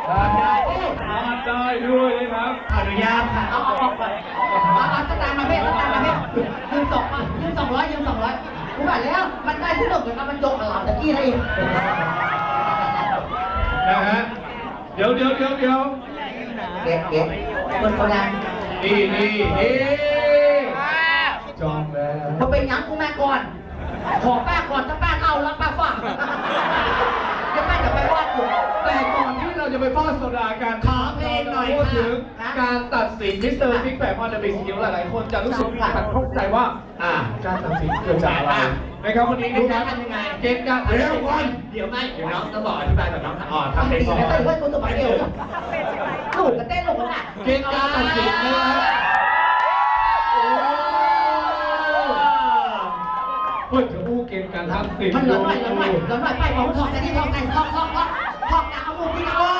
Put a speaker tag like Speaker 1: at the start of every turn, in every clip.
Speaker 1: ได้ด้วยนะครับ
Speaker 2: อนุญาตค่ะเอาสตางค์มาเพ่ยืม200ยืม200กูบอกแล้วมันได้ที่หนึ่งเลยครับมันโจกกับเราตะกี้นั่นเอง
Speaker 1: นะฮะเดี๋ยว
Speaker 2: เก็บคนเขาดัง
Speaker 1: นี่จองแล้ว
Speaker 2: พอเป็นยังกูแม่ก่อนขอป้าก่อนถ้าป้าเอาแล้วป้าฝากจะป้าจะไปวาดกู
Speaker 1: แต่ก่อนที่เราจะไปฟาดโซดากัน
Speaker 2: ขอเพลงหน่อย
Speaker 1: พูดถึงการตัดสินมิสเตอร์ซิกแพคออนเดอะบิ๊กซิลหลายๆคนจะรู้สึกขัดข้องใจว่าการตัดสินเกิดจากอะไรนะครับวันนี้นะครับเกณฑ์การ
Speaker 2: เดี๋ยวน้องต้องบอกอธิบายกับน้องทำเพลงก่อนไม่ต้องคนตัวไปเดียวหนูก็เต้นลงน่ะ
Speaker 1: เกณฑ์การตัดสินนะครับเพื่อจะอู้เกณฑ์การตัดสิน
Speaker 2: มันร้อนหน่อยไปบอกทองแต่ที่ทองไหนทองนะเอามุมที่เอา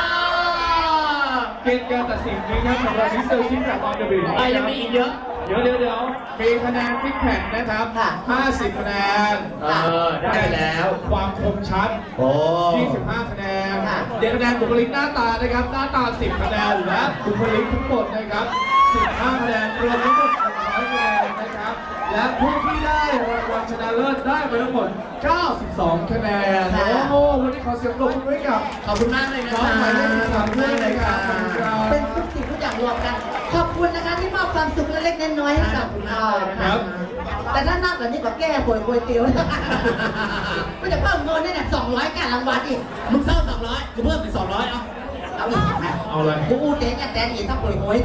Speaker 1: เกณฑ์การตัดสินนะครับสำหรับมิสเตอร์ซิกแพคออนเดอะบิ๊ก
Speaker 2: ยังมีอีกเยอะ
Speaker 1: เดี๋ยวมีคะแนนซิกแพคนะครับ50คะแนน
Speaker 2: ได้แล้ว
Speaker 1: ความคมชัด25คะแนน7คะแนนบุคลิกหน้าตานะครับหน้าตา10คะแนนและบุคลิกทั้งหมดนะครับ15คะแนนรวมทั้งหมด100คะแนนนะครับและผู้ที่ได้รางวัลชนะเลิศได้ไปทั้งหมด92คะแนนโอ้โหวันนี้ขอเสียงปรบมือให้กับ
Speaker 2: ขอบคุณมากเลยนะครับ
Speaker 1: หมายเลข13ด้วยนะครับ
Speaker 2: เป็นทุกสิ่งทุกอย่างรวมกันขอบคุณนะคะที่มอบความสุขเล็กๆน้อยๆให้กับเรานะครับแต่ถ้านับแบบนี้ก็แก้ป่วยเตียวก็จะเพิ่มเงินเนี่ย200การรางวัลอีกมึงเพิ่ม200กูเพิ่มเป็น200เอาอีก
Speaker 1: เอาเลย
Speaker 2: กูเจ๊งแต่อีกถ้าป่วย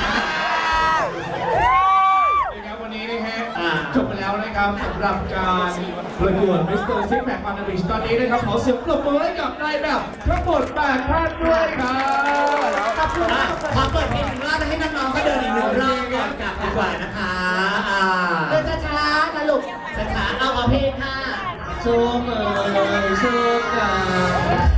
Speaker 1: วันนี้นะฮะจบไปแล้วนะครับสำหรับการประกวดมิสเตอร์ซิกแพคออนเดอะบิ๊กตอนนี้นะครับขอเสียงปรบมือให้กับนายแบบทั้งหมด8ท่านด้วยครับ
Speaker 2: ขอบคุณขอเปิดเพลงหนึ่งรอบให้น้องๆก็เดินอีก1รอบก่อนกลับดีกว่านะคะเดินช้าๆนะลูกช้าๆเอาเพลงค่ะ
Speaker 1: โชว์เมย์โชว์กัน